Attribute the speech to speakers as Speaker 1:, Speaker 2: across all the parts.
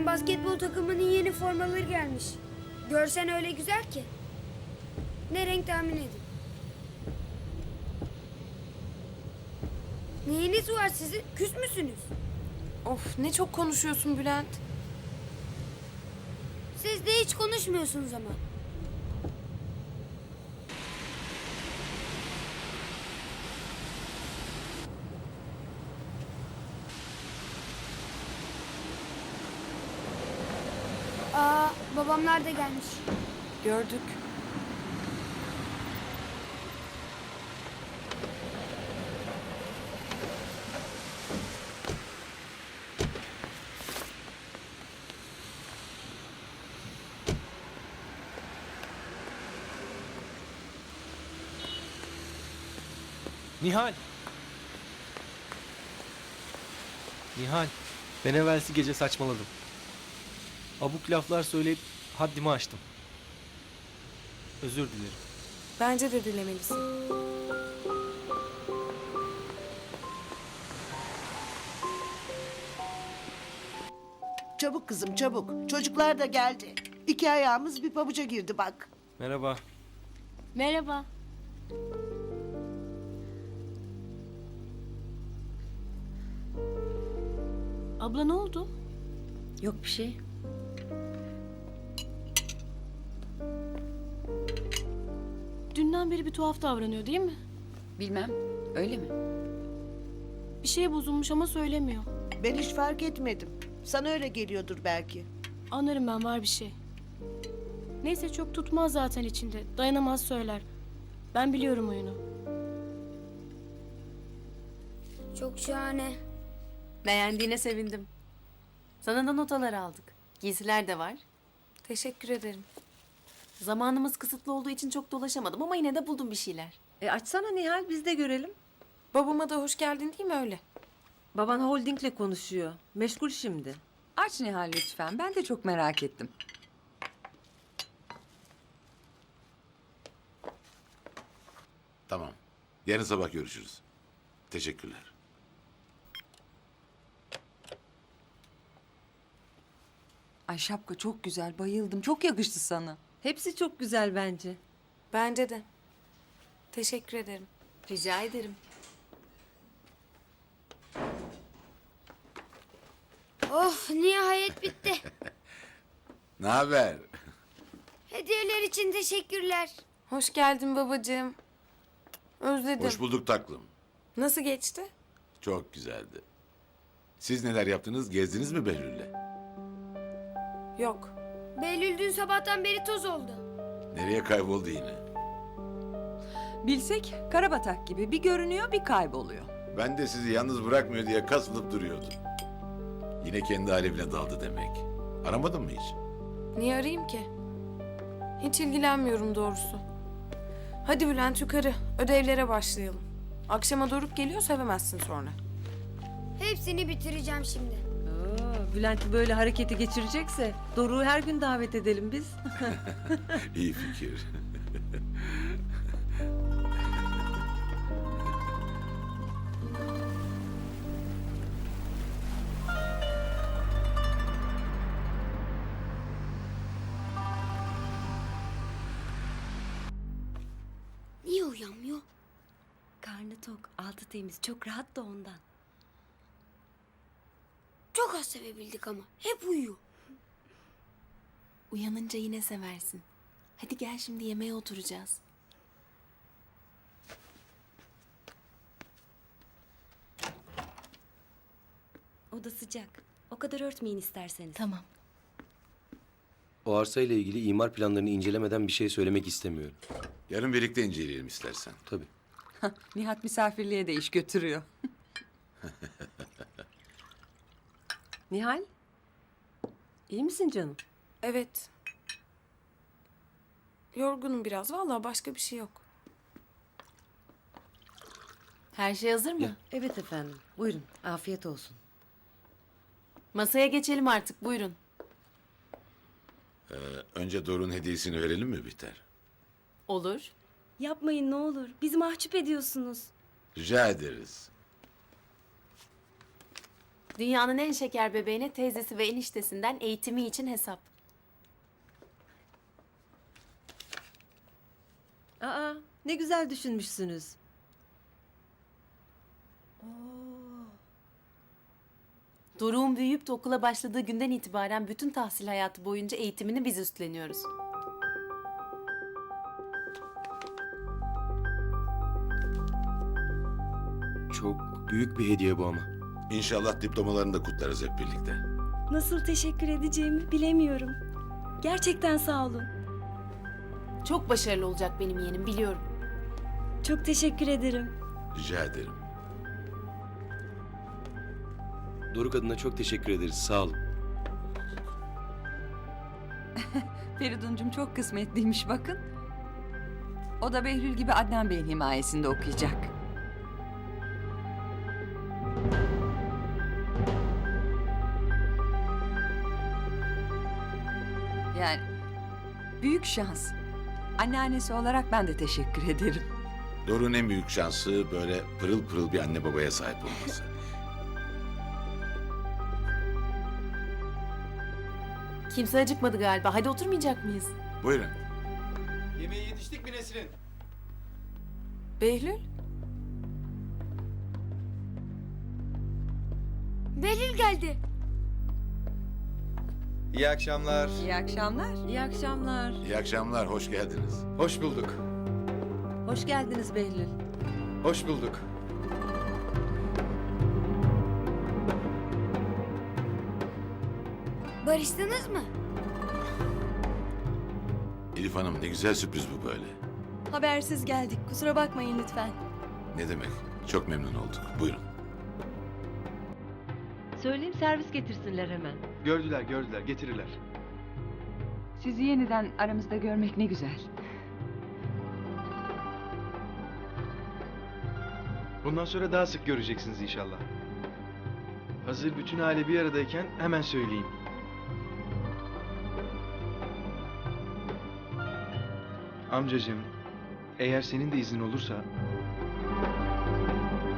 Speaker 1: basketbol takımının yeni formaları gelmiş. Görsen öyle güzel ki. Ne renk tahmin edin. Neyiniz var sizin? Küs müsünüz?
Speaker 2: Of, ne çok konuşuyorsun Bülent.
Speaker 1: Siz de hiç konuşmuyorsunuz ama. Babamlar da gelmiş.
Speaker 2: Gördük.
Speaker 3: Nihal. Nihal. Ben evvelsi gece saçmaladım. Abuk laflar söyleyip haddimi aştım. Özür dilerim.
Speaker 2: Bence de dilemelisin.
Speaker 4: Çabuk kızım çabuk. Çocuklar da geldi. 2 ayağımız bir pabuca girdi bak.
Speaker 3: Merhaba.
Speaker 5: Merhaba. Abla ne oldu?
Speaker 6: Yok bir şey.
Speaker 5: Dünden beri bir tuhaf davranıyor değil mi?
Speaker 6: Bilmem. Öyle mi?
Speaker 5: Bir şey bozulmuş ama söylemiyor.
Speaker 4: Ben hiç fark etmedim. Sana öyle geliyordur belki.
Speaker 5: Anlarım ben, var bir şey. Neyse, çok tutmaz zaten içinde. Dayanamaz söyler. Ben biliyorum oyunu.
Speaker 1: Çok şahane.
Speaker 6: Beğendiğine sevindim. Sana da notalar aldık. Giysiler de var.
Speaker 2: Teşekkür ederim.
Speaker 6: Zamanımız kısıtlı olduğu için çok dolaşamadım ama yine de buldum bir şeyler.
Speaker 7: Açsana Nihal, biz de görelim.
Speaker 2: Babama da hoş geldin değil mi öyle?
Speaker 7: Baban holdingle konuşuyor. Meşgul şimdi. Aç Nihal lütfen. Ben de çok merak ettim.
Speaker 8: Tamam. Yarın sabah görüşürüz. Teşekkürler.
Speaker 7: Ay şapka çok güzel, bayıldım. Çok yakıştı sana. Hepsi çok güzel bence.
Speaker 2: Bence de. Teşekkür ederim.
Speaker 6: Rica ederim.
Speaker 1: Oh, nihayet bitti.
Speaker 8: Ne haber?
Speaker 1: Hediyeler için teşekkürler.
Speaker 2: Hoş geldin babacığım. Özledim.
Speaker 8: Hoş bulduk taklım.
Speaker 2: Nasıl geçti?
Speaker 8: Çok güzeldi. Siz neler yaptınız? Gezdiniz mi Behlül'le?
Speaker 2: Yok.
Speaker 1: Behlül dün sabahtan beri toz oldu.
Speaker 8: Nereye kayboldu yine?
Speaker 7: Bilsek karabatak gibi bir görünüyor bir kayboluyor.
Speaker 8: Ben de sizi yalnız bırakmıyor diye kasılıp duruyordum. Yine kendi alevine daldı demek. Aramadın mı hiç?
Speaker 2: Niye arayayım ki? Hiç ilgilenmiyorum doğrusu. Hadi Bülent yukarı. Ödevlere başlayalım. Akşama Doruk geliyor, sevemezsin sonra.
Speaker 1: Hepsini bitireceğim şimdi.
Speaker 7: Bülent böyle hareketi geçirecekse Doruk'u her gün davet edelim biz.
Speaker 8: İyi fikir.
Speaker 1: Niye uyanmıyor?
Speaker 6: Karnı tok, altı temiz, çok rahat da ondan.
Speaker 1: Çok az sevebildik ama. Hep uyuyor.
Speaker 6: Uyanınca yine seversin. Hadi gel şimdi yemeğe oturacağız.
Speaker 9: Oda sıcak. O kadar örtmeyin isterseniz.
Speaker 6: Tamam.
Speaker 10: O arsayla ilgili imar planlarını incelemeden bir şey söylemek istemiyorum.
Speaker 8: Yarın birlikte inceleyelim istersen.
Speaker 10: Tabii.
Speaker 7: Nihat misafirliğe de iş götürüyor. Nihal, iyi misin canım?
Speaker 2: Evet. Yorgunum biraz. Vallahi başka bir şey yok.
Speaker 6: Her şey hazır mı?
Speaker 10: Ya.
Speaker 9: Evet efendim. Buyurun. Afiyet olsun.
Speaker 6: Masaya geçelim artık, buyurun.
Speaker 8: Önce Doruk'un hediyesini verelim mi Bihter?
Speaker 6: Olur.
Speaker 9: Yapmayın ne olur. Bizi mahcup ediyorsunuz.
Speaker 8: Rica ederiz.
Speaker 6: Dünyanın en şeker bebeğine teyzesi ve eniştesinden eğitimi için hesap.
Speaker 7: Aa, ne güzel düşünmüşsünüz.
Speaker 6: Doruk'un büyüyüp de okula başladığı günden itibaren bütün tahsil hayatı boyunca eğitimini biz üstleniyoruz.
Speaker 10: Çok büyük bir hediye bu ama.
Speaker 8: İnşallah diplomalarını da kutlarız hep birlikte.
Speaker 9: Nasıl teşekkür edeceğimi bilemiyorum. Gerçekten sağ olun.
Speaker 6: Çok başarılı olacak benim yeğenim, biliyorum.
Speaker 9: Çok teşekkür ederim.
Speaker 8: Rica ederim.
Speaker 10: Doruk adına çok teşekkür ederiz. Sağ olun.
Speaker 11: Feridun'cum çok kısmetliymiş bakın. O da Behlül gibi Adnan Bey'in himayesinde okuyacak. Yani büyük şans. Anneannesi olarak ben de teşekkür ederim.
Speaker 8: Doruk'un en büyük şansı böyle pırıl pırıl bir anne babaya sahip olması.
Speaker 6: Kimse acıkmadı galiba. Hadi oturmayacak mıyız?
Speaker 8: Buyurun.
Speaker 3: Yemeğe yetiştik mi Nesrin?
Speaker 2: Behlül?
Speaker 1: Behlül geldi.
Speaker 12: İyi akşamlar.
Speaker 11: İyi akşamlar.
Speaker 7: İyi akşamlar.
Speaker 8: İyi akşamlar, hoş geldiniz.
Speaker 12: Hoş bulduk.
Speaker 7: Hoş geldiniz Behlül.
Speaker 12: Hoş bulduk.
Speaker 1: Barıştınız mı?
Speaker 8: Elif Hanım, ne güzel sürpriz bu böyle.
Speaker 9: Habersiz geldik. Kusura bakmayın lütfen.
Speaker 8: Ne demek? Çok memnun olduk. Buyurun.
Speaker 7: Söyleyeyim servis getirsinler hemen.
Speaker 12: Gördüler, getirirler. Sizi yeniden aramızda görmek ne güzel. Bundan sonra daha sık göreceksiniz inşallah. Hazır bütün aile bir aradayken hemen söyleyeyim. Amcacığım, eğer senin de iznin olursa...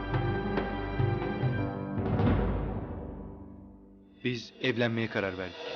Speaker 12: Biz evlenmeye karar verdik.